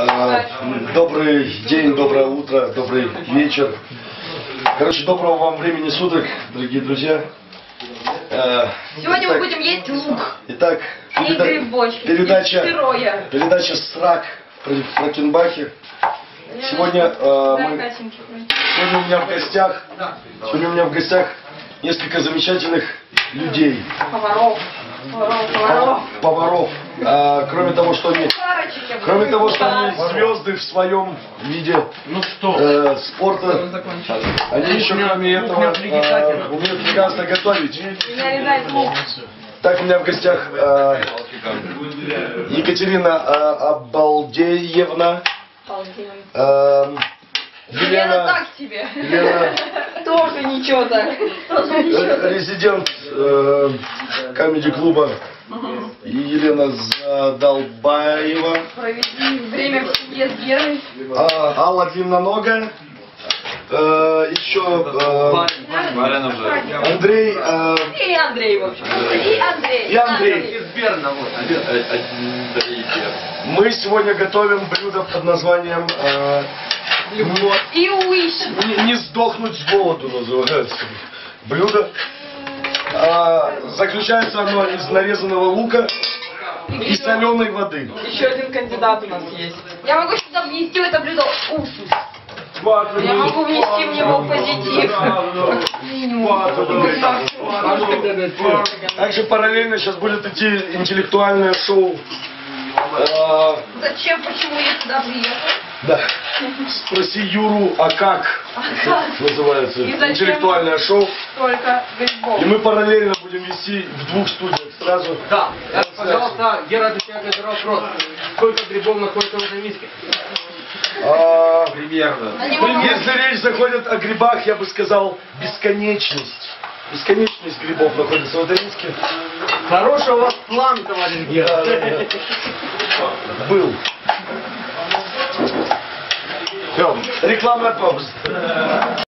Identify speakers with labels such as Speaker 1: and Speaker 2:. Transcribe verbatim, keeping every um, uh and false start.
Speaker 1: А, добрый день, доброе утро, добрый вечер. Короче, доброго вам времени суток, дорогие друзья. А,
Speaker 2: Сегодня
Speaker 1: итак,
Speaker 2: мы будем есть лук.
Speaker 1: Итак,
Speaker 2: И
Speaker 1: переда
Speaker 2: грибочки.
Speaker 1: передача,
Speaker 2: И
Speaker 1: передача «Срак» в Фракенбахе. Сегодня, а, мы, сегодня у меня в гостях, сегодня у меня в гостях несколько замечательных людей.
Speaker 2: Поваров. Поваров. Поваров.
Speaker 1: Поваров. А, кроме того, что они, кроме того, что они звезды в своем виде
Speaker 3: Ну что?
Speaker 1: э, спорта, они еще кроме этого э, умеют прекрасно готовить.
Speaker 2: Меня резает лук.
Speaker 1: Так, у меня в гостях э, Екатерина э, Обалдеевна, э,
Speaker 2: Елена
Speaker 1: Елена,
Speaker 2: так себе.
Speaker 1: Елена
Speaker 2: Тоже ничего так.
Speaker 1: э, резидент э, комеди-клуба, и Елена Задолбаева,
Speaker 2: Проведи время в семье с Герой.
Speaker 1: а, Алла Длинноногая, э, еще э, Андрей, э,
Speaker 2: И Андрей, в общем. И Андрей.
Speaker 1: и Андрей.
Speaker 3: Изберно, вот.
Speaker 1: Мы сегодня готовим блюдо под названием э,
Speaker 2: И Уиш.
Speaker 1: не, не сдохнуть с голоду называется. Блюдо. А, заключается оно из нарезанного лука и соленой воды.
Speaker 4: Еще один кандидат у нас есть.
Speaker 2: Я могу сюда внести в это блюдо уксус. Я могу внести в него позитив.
Speaker 1: Также параллельно сейчас будет идти интеллектуальное шоу. А,
Speaker 2: Зачем, почему я сюда приехал?
Speaker 1: да. Спроси Юру, а как? Называется
Speaker 2: И зачем?
Speaker 1: интеллектуальное шоу.
Speaker 2: Только грибов.
Speaker 1: И мы параллельно будем вести в двух студиях сразу.
Speaker 3: Да, пожалуйста, Гера отвечает на этот вопрос. Сколько грибов находится в этой миске?
Speaker 1: А,
Speaker 3: Примерно.
Speaker 2: Они могут-
Speaker 1: если речь заходит о грибах, я бы сказал бесконечность. Бесконечность грибов находится в этой миске.
Speaker 3: Хороший у вас план, товарищ Гера.
Speaker 1: Да, да, да. Был. Все, рекламная пауза.